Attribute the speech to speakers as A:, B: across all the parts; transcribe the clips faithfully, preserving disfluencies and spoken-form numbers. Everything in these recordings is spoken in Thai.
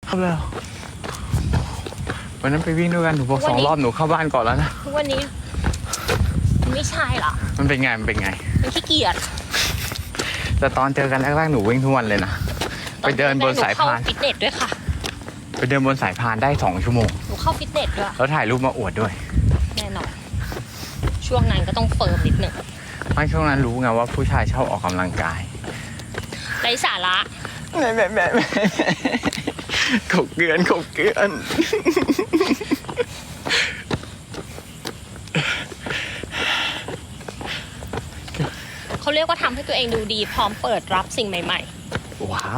A: เข้าแล้ววันนั้นไปวิ่งด้วยกันหนูบอกสองรอบหนูเข้าบ้านก่อนแล้วนะ
B: วันนี้ไม่ใช่หรอ
A: มันเป็นไงมันเป็นไง
B: มันขี้เกียจ
A: แต่ตอนเจอกันแรกๆหนูวิ่งทุกวันเลยนะไปเดินบนสายพาน
B: ฟิตเนสด้วยค่ะ
A: ไปเดินบนสายพานได้สองชั่วโมง
B: หนูเข้าฟิตเนสด้วย
A: แล้วถ่ายรูปมาอวดด้วย
B: แน่นอนช่วงนั้นก็ต้องเฟิร์มนิดหนึ่ง
A: ไม่ช่วงนั้นรู้ไงว่าผู้ชายชอบออกกำลังกาย
B: ไร้สาระ
A: แม่แม่แม่แม่ขบเกลือนขบเกลือน
B: เขาเรียกว่าทำให้ตัวเองดูดีพร้อมเปิดรับสิ่งใหม่
A: ๆว้าว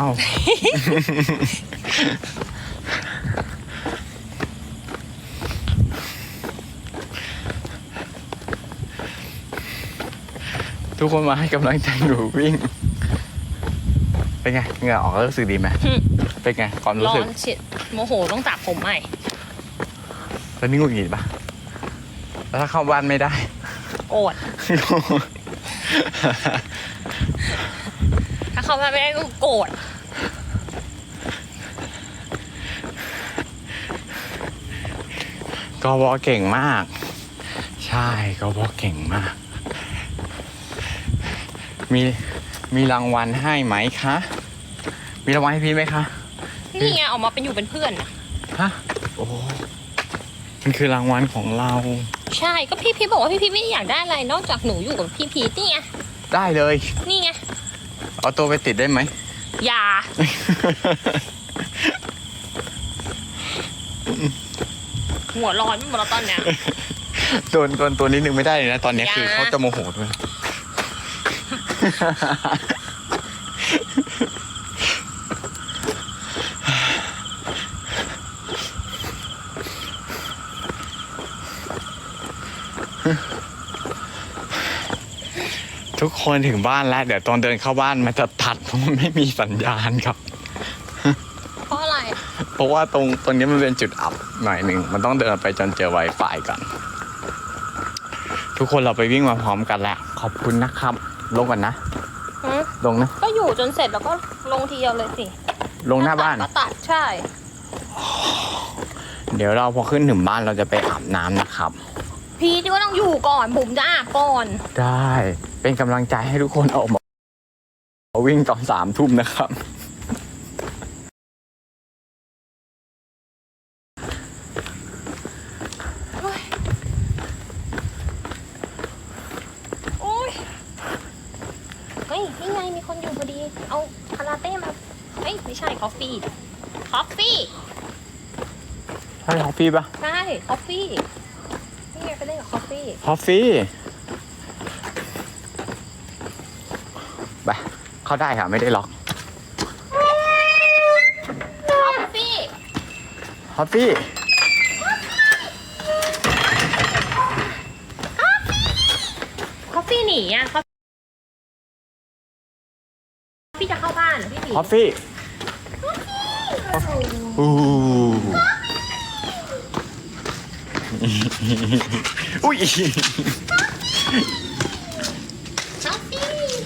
A: ทุกคนมาให้กำลังใจหนูวิ่งเป็นไงเหงื่อออกแล้วรู้สึกดีไหมเป็นไงความรู้สึก
B: ร้อนเฉียดโมโหต้องตัดผมใหม่
A: แล้วนี่งุนหงิดปะแล้วถ้าเข้าบ้านไม่ได้
B: โกรธถ้าเข้าบ้านไม่ได้ก็โกรธ
A: กบเก่งมากใช่กบเก่งมากมีมีรางวัลให้ไหมคะมีรางวัลให้พี่ไหมคะ
B: นี่ไงออกมาเป็นอยู่เป็นเพื่อนนะ
A: ฮะโอ้มันคือรางวัลของเรา
B: ใช่ก็พี่พีบอกว่าพี่พีไม่อยากได้อะไรนอกจากหนูอยู่กับพี่พีนี่ไง
A: ได้เลย
B: นี่ไง
A: เอาตัวไปติดได้ไหม
B: อย่าหัวร้อนไม่หมดแล้วตอนเนี้ย
A: โดนโดนตัวนิดนึงไม่ได้เลยนะตอนนี้คือเขาจะโมโหด้วยทุกคนถึงบ้านแล้วเดี๋ยวตอนเดินเข้าบ้านมันจะตัดเพราะมันไม่มีสัญญาณครับ
B: เพราะอะไร
A: เพราะว่าตรงตรงนี้มันเป็นจุดอับหน่อยหนึ่งมันต้องเดินไปจนเจอ Wi-Fi กันทุกคนเราไปวิ่งมาพร้อมกันแล้วขอบคุณนะครับลงก่อนนะลงนะ
B: ก็อยู่จนเสร็จแล้วก็ลงทีเดียวเลยสิ
A: ลงหน้าบ้าน
B: ก็ตัดใช่
A: เดี๋ยวเราพอขึ้นถึงบ้านเราจะไปอาบน้ำนะครับ
B: พีทก็ต้องอยู่ก่อนบุ๋มจะอาบก่อน
A: ได้เป็นกำลังใจให้ทุกคนออกมาวิ่งตอนสามทุ่มนะครับ
B: โอ้ยเฮ้ยนี่ไงมีคนอยู่พอดีเอาคาราเต้มาเฮ้ยไม่ใช่คอฟฟี่คอฟฟี่
A: ใช่คอฟฟี่ปะ
B: ใช่คอฟฟี่นี่ไงไปเล่นกับคอฟฟี่
A: คอฟฟี่ไปเข้าได้ค่ะไม่ได้ล็อก
B: คอฟฟี่
A: คอฟฟี่
B: คอฟฟี่หนีอ่ะคอฟฟี่จะเข้าบ้านพี่หนี
A: คอฟฟี่อู้อุ้ย
B: คอฟฟี่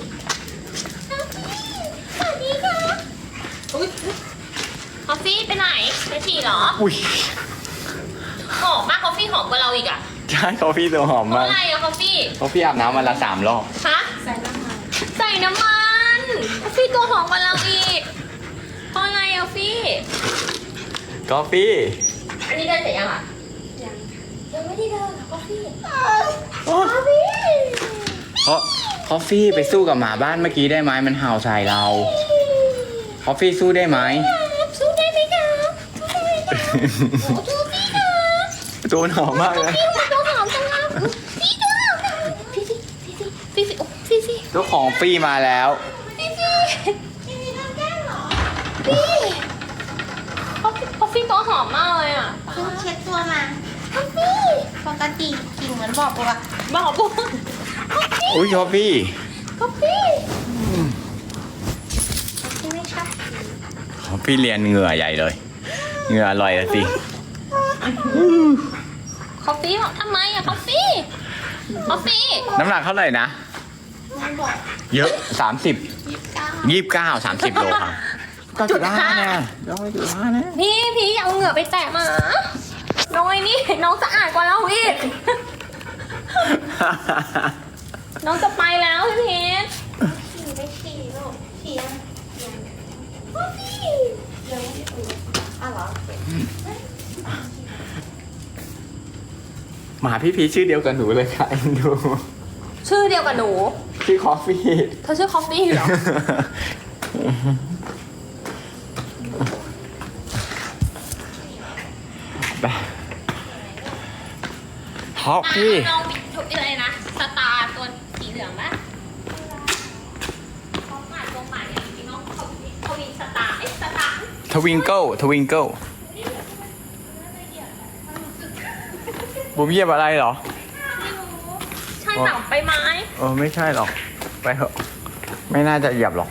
B: สวัสดีค่ะอุ้ยคอฟฟี่ไปไหนไปฉี่เหรอ
A: อุ้ย
B: หอมมากคอฟฟี่หอมกว่าเราอีกอ่ะ
A: ใช่คอฟฟี่ตัวหอมมาก
B: อะไรอะคอฟฟี่
A: คอฟฟี่อาบน้ำวันละสามรอบ
B: ฮะใส่น้ำมันใส่น้ำมันคอฟฟี่ตัวหอมกว่าเราอีกเพราะอะไรอะคอฟฟี่
A: คอฟฟี่
B: อันนี้เดินเสร็จยังอ่ะยังยังไม่ได้เดินคอฟฟี่คอฟฟี่
A: เพราะคอฟฟี่ไปสู้กับหมาบ้านเมื่อกี้ได้ไหมมันเห่าใส่เราคอฟฟี่สู้ได้ไหม
B: สู้ได้ไหมครับสู้ได้ไหมครับสู้พี่ครับ
A: ตัวหอมมากเลย
B: พี่ตัวหอมจังครับพี่ตัวหอมพี่พี่พี่พี่พี่พี่
A: ตัวของฟี่มาแล้ว
B: พี่พี่พี่พี่ทำแก้มเหรอพี่คอฟฟี่ตัวหอมมากเลยอ่ะ
C: เพิ่งเช็ดตัวมา
B: คอฟฟี่
C: ปกติกลิ่นเหมือนบอกปะ
B: บอกปุ๊บ
A: อุ้ยคอฟฟี่
B: คอฟฟี่
C: ใช่ไหมคะ
A: คอฟฟี่เรียนเหงื่อใหญ่เลยเหงื่ออร่อยสิ
B: คอฟฟี่บอกทำไมอะคอฟฟี่คอฟฟี่
A: น้ำหนักเท่าไหร่นะเยอะสามสิบยี่สิบเก้าสามสิบโลครับเก้าจุดห้าเนี่ยเก้าจุดห้านะ
B: พี่พี่เอาเหงื่อไปแตะหมาน้อยนี่น้องสะอาดกว่าเราอีก น้องจะไปแล้วพี่พีช
C: ฉี่ไม่ฉี่ลูกฉี่ยังยังยังไม่ได้อุ่นอ้าวเหรอ
A: หมาพี่พีชชื่อเดียวกับหนูเลยค่ะเอ็นดู
B: ชื่อเดียวกับหนู
A: ชื่อคอฟฟี่
B: เธอชื่อคอฟฟี่เหรอ
A: ไปคอฟฟี่
B: อ่ะน้องมีชุดอะไรนะ สตาร์ตัวสีเหลืองปะเขาหมาตัวใหม่อ่ะจริงๆน้องเขาเขาวินสตาร์เอ้ยสตาร์
A: ทวิงเกิลทวิงเกิลบุ๋มเหยียบอะไรเหรอ
B: ใช่เปล่าใบไม้
A: เออไม่ใช่หรอก ไปเถอะ ไม่น่าจะเหยียบหรอก